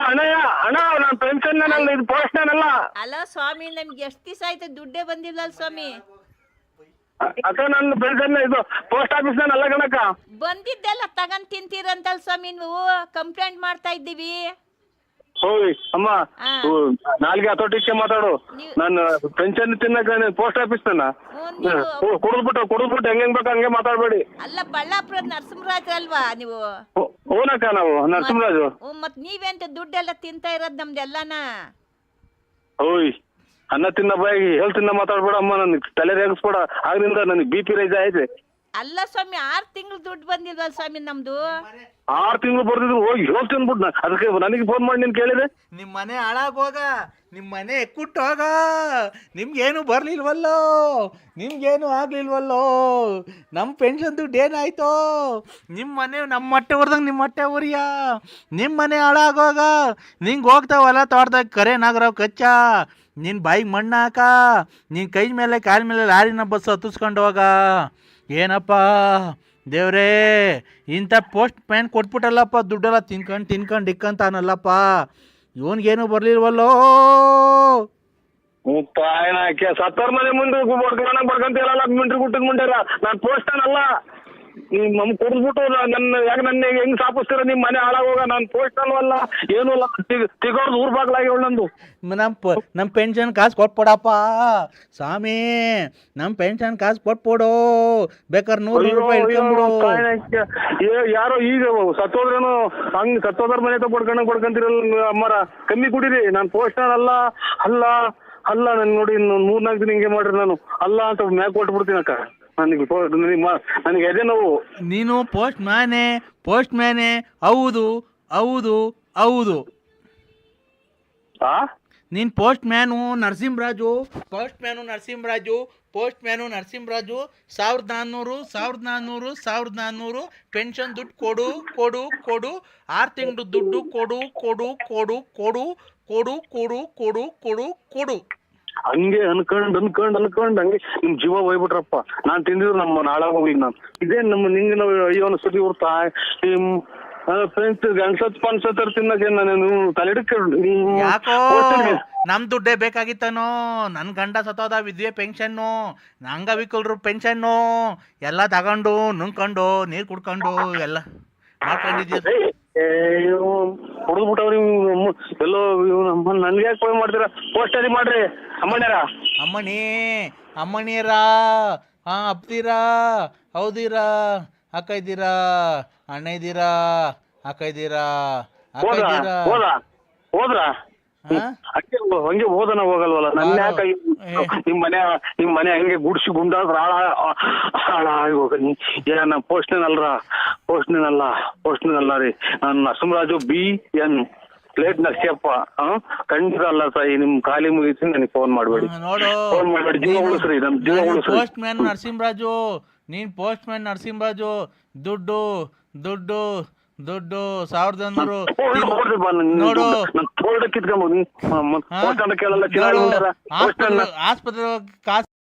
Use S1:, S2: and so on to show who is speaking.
S1: ಅಣ್ಣಯ್ಯ ಅಣ್ಣ ನಾನು ಪೆನ್ಷನ್ ಇದು ಪೋಸ್ಟ್ನಲ್ಲ.
S2: ಅಲ್ಲ ಸ್ವಾಮಿ, ನಮ್ಗೆ ಎಷ್ಟು ದಿವಸ ಆಯ್ತು ದುಡ್ಡೇ ಬಂದಿಲ್ಲ ಸ್ವಾಮಿ.
S1: ಅಕ್ಕ ನನ್ನ ಪೆನ್ಷನ್ ಇದು ಪೋಸ್ಟ್ ಆಫೀಸ್ ಅಲ್ಲ ಕಣಕ್ಕ.
S2: ಬಂದಿದ್ದೆಲ್ಲ ತಗೊಂಡ್ ತಿಂತೀರಂತಲ್ ಸ್ವಾಮಿ, ನೀವು ಕಂಪ್ಲೇಂಟ್ ಮಾಡ್ತಾ ಇದ್ದೀವಿ.
S1: ಹೋಯ್ ಅಮ್ಮ,
S2: ಹಾ.
S1: ನಾಲ್ಗೆ ಹತೋಟಿಕ್ಕೆ ಮಾತಾಡು.
S2: ನೀವು-
S1: ನಾನು ಪೆನ್ಷನ್ ತಿನ್ನಕ ಪೋಸ್ಟ್ ಆಫೀಸ್
S2: ನೀವು
S1: ಕುಡಿದ್ಬಿಟ್ಟು ಹೆಂಗ್ ಬೇಕು ಹಂಗೆ ಮಾತಾಡ್ಬೇಡಿ.
S2: ಅಲ್ಲ ಬಳ್ಳಾಪುರದ ನರಸಿಂಹರಾಜ್ ಅಲ್ವಾ ನೀವು?
S1: ಹೂನಕ್ಕ ನಾವು ನರಸಿಂಹರಾಜು.
S2: ಮತ್ ನೀವೆಂತ ದುಡ್ಡೆಲ್ಲ ತಿಂತಾ ಇರೋದ್ ನಮ್ದೆಲ್ಲನ?
S1: ಹೋಯ್ ಅನ್ನ ತಿನ್ನ ಬಾಯಿ ಹೇಳ್ ತಿನ್ನ ಮಾತಾಡ್ಬೇಡ ಅಮ್ಮ, ನನ್ಗೆ ತಲೆ ರೇಗಿಸ್ಬೇಡ. ಆಗ್ಲಿಂದ ನನಗೆ BP ರೈಸ್ ಆಯ್ತು.
S2: ಅಲ್ಲ ಸ್ವಾಮಿ, 6 ತಿಂಗಳು ದುಡ್ಡು ಬಂದಿಲ್ವಲ್ಲ ಸ್ವಾಮಿ ನಮ್ದು?
S1: 6 ತಿಂಗಳು ಬರ್ದಿದ್ರು ಹೋಗಿ ಹೇಳ್ತೀನಿ ಬಿಡ್. ಅದಕ್ಕೆ ನನಗೆ ಫೋನ್ ಮಾಡಿ ನೀನ್ ಕೇಳಿದೆ.
S3: ನಿಮ್ಮ ಮನೆ ಹಾಳಾಗೋಗ, ನಿಮ್ಮ ಮನೆ ಎಕ್ಕುಟ್ಟೋಗ, ನಿಮ್ಗೇನು ಬರ್ಲಿಲ್ವಲ್ಲೋ, ನಿಮ್ಗೇನು ಆಗ್ಲಿಲ್ವಲ್ಲೋ, ನಮ್ಮ ಪೆನ್ಷನ್ ದುಡ್ಡು ಏನಾಯ್ತೋ, ನಿಮ್ಮ ಮನೆ ನಮ್ಮ ಹೊಟ್ಟೆ ಹೊರ್ದಂಗೆ ನಿಮ್ಮ ಹೊಟ್ಟೆ ಉರಿಯ, ನಿಮ್ಮ ಮನೆ ಹಾಳಾಗೋಗ, ನಿಂಗೆ ಹೋಗ್ತಾವಲ್ಲ ತೋಟದಾಗ ಕರೆ ನಾಗರಾವ್ ಕಚ್ಚ, ನಿನ್ನ ಬಾಯಿಗೆ ಮಣ್ಣು ಹಾಕ, ನಿನ್ನ ಕೈ ಮೇಲೆ ಕಾಲ ಮೇಲೆ ಲಾರಿನ ಬಸ್ ಹತ್ತಿಸ್ಕೊಂಡು ಹೋಗ. ಏನಪ್ಪ ದೇವ್ರೇ, ಇಂಥ ಪೋಸ್ಟ್ ಮ್ಯಾನ್ ಕೊಟ್ಬಿಟ್ಟಲ್ಲಪ್ಪ, ದುಡ್ಡೆಲ್ಲ ತಿನ್ಕೊಂಡು ಇಕ್ಕಂತಾನಲ್ಲಪ್ಪ, ಇವನ್ಗೇನು ಬರ್ಲಿಲ್ವಲ್ಲೋ.
S1: ತಾಯಿನಾಕೆ ಸತ್ತರ್ ಮನೆ ಮುಂದೆ ಬಡ್ಕಂತೀರಲ್ಲ ಮಿಂಟ್ರಿ ಗುಟ್ಟದ ಮುಂಡ್ಯಾರ. ನಾನು ಪೋಸ್ಟನಲ್ಲ, ನಮ್ ಕುಡಿದ್ಬಿಟ್ಟು ನನ್ನ ಹೆಂಗ್ ಸಾಪಿಸ್ತೀರ? ನಿಮ್ ಮನೆ ಹಾಳಾಗೋಗ. ನಾನು ಪೋಸ್ಟಲ್ ಅಲ್ಲ ಏನೂ ಅಲ್ಲ, ತಿಗೋರ್ದು ಊರ್ ಬಾಗ್ಲಾಗಿ ನಂದು.
S3: ನಮ್ಮ ಪೆನ್ಷನ್ ಕಾಸು ಕೊಟ್ಬಿಡಪ್ಪ ಸ್ವಾಮಿ, ನಮ್ಮ ಪೆನ್ಷನ್ ಕಾಸು ಕೊಟ್ಬಿಡು, ಬೇಕಾದ್ರೆ 100 ರೂಪಾಯಿ ಇಟ್ಕೊಂಡ್ಬಿಡು.
S1: ಯಾರೋ ಈಗ ಸತ್ತೋದ್ರೇನು ಹಂಗ್ ಸತ್ತೋದ್ರ ಮನೆ ಬಡ್ಕೊಂತೀರಲ್ಲ ಅಮ್ಮರ, ಕಮ್ಮಿ ಕುಡೀರಿ. ನಾನು ಪೋಸ್ಟರ್ ಅಲ್ಲ ಅಲ್ಲ ಅಲ್ಲ ನನ್ ನೋಡಿ 3-4 ದಿನ ಹಿಂಗೆ ಮಾಡ್ರಿ. ನಾನು ಅಲ್ಲ ಅಂತ ಮ್ಯಾಕ್ ಕೊಟ್ಬಿಡ್ತೀನಿ ಅಕ್ಕ. ನನಗೆ ಎದೆ ನೋವು.
S3: ನೀನು ಪೋಸ್ಟ್ ಮ್ಯಾನೆ ಹೌದು ಹೌದು ಹೌದು. ನೀನು ಪೋಸ್ಟ್ ಮ್ಯಾನು ನರಸಿಂಹರಾಜು 1400 ಪೆನ್ಷನ್ ದುಡ್ಡು ಕೊಡು ಕೊಡು ಕೊಡು, 6 ತಿಂಗಳು ದುಡ್ಡು ಕೊಡು ಕೊಡು ಕೊಡು ಕೊಡು ಕೊಡು ಕೊಡು ಕೊಡು ಕೊಡು ಕೊಡು.
S1: ಹಂಗೆ ಅನ್ಕೊಂಡ್ ಹಂಗೆ ನಿಮ್ ಜೀವ ಹೋಗ್ಬಿಟ್ರಪ್ಪ. ನಾನ್ ತಿಂದಿದ್ರು ನಮ್ಮ ನಾಳಾಗ ಹೋಗಿ. ನಾನು ಇದೇ ನಮ್ಮ ನಿಂಗೆ ನಾವು ಅಯ್ಯೋ ಅನ್ಸತಿ ಇರ್ತಾ ನಿಮ್ ಫ್ರೆಂಡ್ಸ್ ಗಂಡ್ಸತ್ ತಿನ್ನಕ್ಕೆ ನಾನು ತಲೆಡಕ್ಕೆ
S3: ಯಾಕೋ ನಮ್ ದುಡ್ಡೇ ಬೇಕಾಗಿತ್ತನೋ? ನನ್ ಗಂಡ ಸತ್ತೋದ, ವಿದ್ಯೆ ಪೆನ್ಷನ್ನು, ಅಂಗವಿಕಲರು ಪೆನ್ಷನ್ನು ಎಲ್ಲ ತಗೊಂಡು ನುಂಗ್ಕೊಂಡು ನೀರ್ ಕುಡ್ಕೊಂಡು ಎಲ್ಲ ಮಾಡ್ಕೊಂಡಿದ್ಯ.
S1: ಹೊಡೆದ್ಬಿಟ್ಟವ್ರಿ ಎಲ್ಲೋ. ನನ್ಗೆ ಯಾಕೆ ಫೋನ್ ಮಾಡ್ತೀರಾ? ಪೋಸ್ಟರಿ ಮಾಡ್ರಿ
S3: ಅಮ್ಮಣಿಯರ ಅಪ್ತೀರಾ ಹೌದಿರಾ ಅಕ್ಕ ಇದ್ದೀರಾ ಅಣ್ಣ ಇದ್ದೀರಾ ಅಕ್ಕ ಇದ್ದೀರಾ
S1: ಹೋದ್ರ ಹಂಗೆ ಹೋದನ ಹೋಗಲ್ವಲ್ಲ. ನನ್ನ ಯಾಕೆ ನಿಮ್ ಮನೆ ಹಂಗೆ ಗುಡ್ಸಿ ಗುಂಡಾದ್ರ ಹಾಳಾಗಿ ಹೋಗ. ಏನ ಪೋಸ್ಟ್ನಲ್ಲ ರೀ. ನಾನು ನರಸಿಂಹರಾಜು BN ಪ್ಲೇಟ್ ನರ್ಸಿಯಪ್ಪ. ಖಂಡಿತ ಅಲ್ಲ ಸಾಯಿ, ನಿಮ್ ಖಾಲಿ ಮುಗಿಸಿ ನನಗೆ ಫೋನ್ ಮಾಡ್ಬೇಡಿ. ಫೋನ್ ಮಾಡ್ಬೇಡಿ, ಜೀವ ಉಳಿಸ್ರಿ, ನಮ್ ಜೀವ ಉಳಿಸ್ರಿ.
S3: ಪೋಸ್ಟ್ ಮ್ಯಾನ್ ನರಸಿಂಹರಾಜು, ನೀನ್ ಪೋಸ್ಟ್ ಮ್ಯಾನ್ ನರಸಿಂಹರಾಜು. ದುಡ್ಡು 1100 ನೋಡು.
S1: ಕೇಳಲ್ಲ
S3: ಆಸ್ಪತ್ರೆ ಕಾಸು